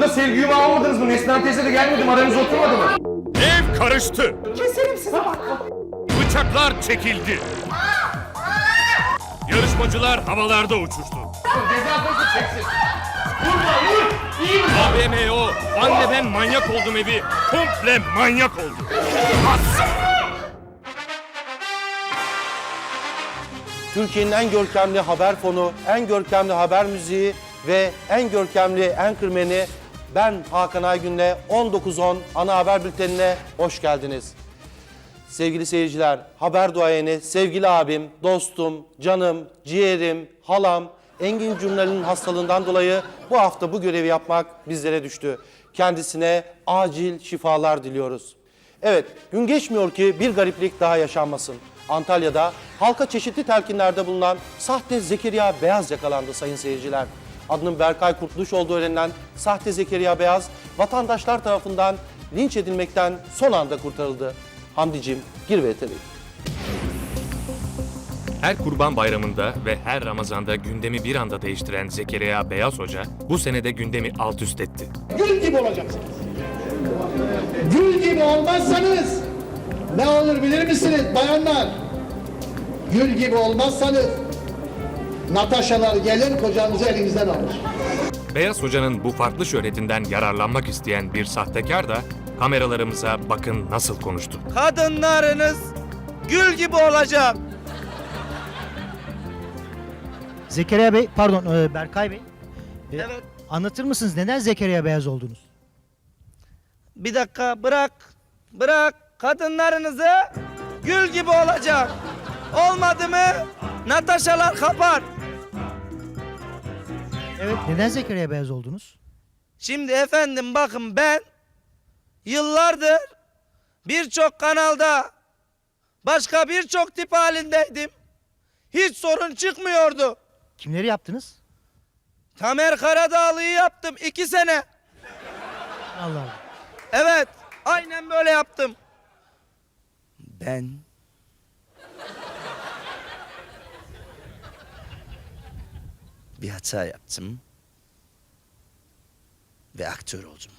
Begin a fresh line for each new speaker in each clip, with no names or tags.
Burada sevgi yumağı almadınız mı? Neslihan teyze de gelmedi mi? Aranıza oturmadı mı?
Ev karıştı.
Keserim size bak.
Bıçaklar çekildi. Yarışmacılar havalarda uçuştu.
Cezasını çeksin. Vurma vur. İyi mi?
AVMO, anne ben manyak oldum evi komple manyak oldu. As!
Türkiye'nin en görkemli haber fonu, en görkemli haber müziği ve en görkemli anchorman'i ben Hakan Aygün'le 19.10 ana haber bültenine hoş geldiniz. Sevgili seyirciler, haber duayeni, sevgili abim, dostum, canım, ciğerim, halam Engin Cumral'in hastalığından dolayı bu hafta bu görevi yapmak bizlere düştü. Kendisine acil şifalar diliyoruz. Evet, gün geçmiyor ki bir gariplik daha yaşanmasın. Antalya'da halka çeşitli telkinlerde bulunan sahte Zekeriya Beyaz yakalandı sayın seyirciler. Adının Berkay Kurtuluş olduğu öğrenilen sahte Zekeriya Beyaz, vatandaşlar tarafından linç edilmekten son anda kurtarıldı. Hamdicim, gir ve tabii.
Her Kurban Bayramı'nda ve her Ramazan'da gündemi bir anda değiştiren Zekeriya Beyaz Hoca bu senede gündemi alt üst etti.
Gül gibi olacaksınız. Gül gibi olmazsanız ne olur bilir misiniz bayanlar? Gül gibi olmazsanız Nataşalar gelir kocanızı elinizden alır.
Beyaz Hoca'nın bu farklı şöhretinden yararlanmak isteyen bir sahtekar da kameralarımıza bakın nasıl konuştu.
Kadınlarınız gül gibi olacak.
Zekeriya Bey, pardon Berkay Bey.
Evet.
Anlatır mısınız neden Zekeriya Beyaz oldunuz?
Bir dakika bırak. Kadınlarınızı gül gibi olacak. Olmadı mı Nataşalar kapar.
Evet, neden Zekeriya Beyaz oldunuz?
Şimdi efendim bakın ben yıllardır birçok kanalda başka birçok tip halindeydim. Hiç sorun çıkmıyordu.
Kimleri yaptınız?
Tamer Karadağlı'yı yaptım 2 sene.
Allah Allah.
Evet, aynen böyle yaptım. Ben bir hata yaptım ve aktör oldum.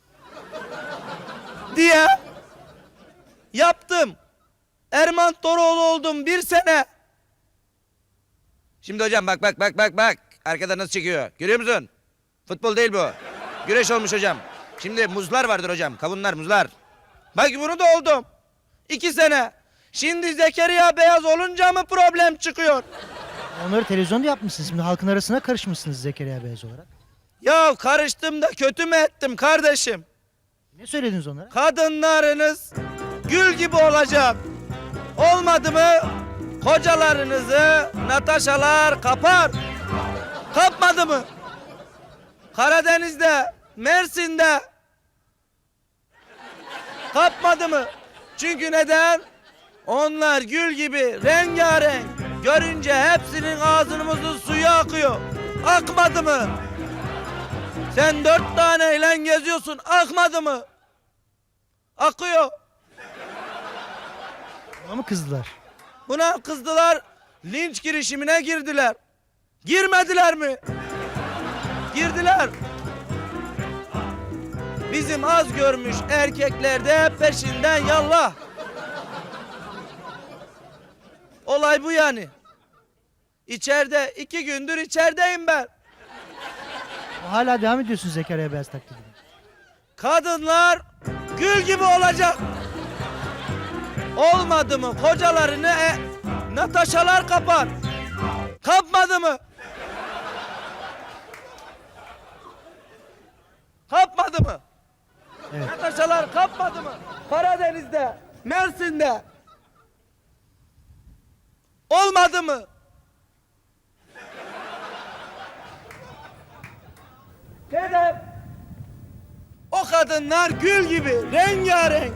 Diye yaptım. Erman Toroğlu oldum 1 sene. Şimdi hocam bak. Arkada nasıl çekiyor? Görüyor musun? Futbol değil bu. Güreş olmuş hocam. Şimdi muzlar vardır hocam. Kavunlar, muzlar. Bak bunu da oldum. 2 sene. Şimdi Zekeriya Beyaz olunca mı problem çıkıyor?
Onları televizyonda yapmışsınız. Şimdi halkın arasına karışmışsınız Zekeriya Beyaz olarak.
Ya karıştım da kötü mü ettim kardeşim?
Ne söylediniz onlara?
Kadınlarınız gül gibi olacak. Olmadı mı kocalarınızı Nataşalar kapar. Kapmadı mı? Karadeniz'de, Mersin'de kapmadı mı? Çünkü neden? Onlar gül gibi rengarenk. Görünce hepsinin ağzımızın suyu akıyor. Akmadı mı? Sen 4 taneyle geziyorsun. Akmadı mı? Akıyor.
Buna mı kızdılar?
Buna kızdılar. Linç girişimine girdiler. Girmediler mi? Girdiler. Bizim az görmüş erkekler de peşinden yallah. Olay bu yani. İçeride 2 gündür içerideyim ben.
Hala devam ediyorsunuz Zekeriya Beyaz taklidine.
Kadınlar gül gibi olacak. Olmadı mı kocalarını Nataşalar kapar. Kapmadı mı? Kapmadı mı?
Evet.
Nataşalar kapmadı mı? Karadeniz'de, Mersin'de. Olmadı mı? Neden? O kadınlar gül gibi rengarenk.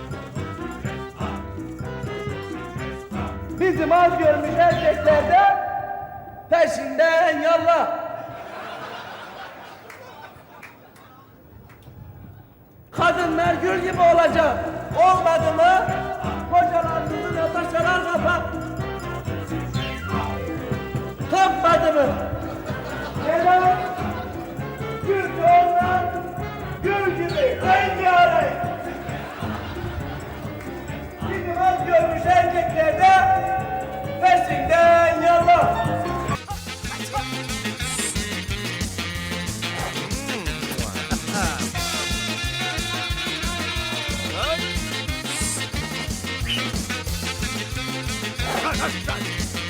Bizim az görmüş erkekler de peşinden yallah. Kadınlar gül gibi olacak. Olmadı mı kocalarınızı Nataşalar kapar. Kapmadı mı? Neden? Çünkü onlar
hadi, hadi.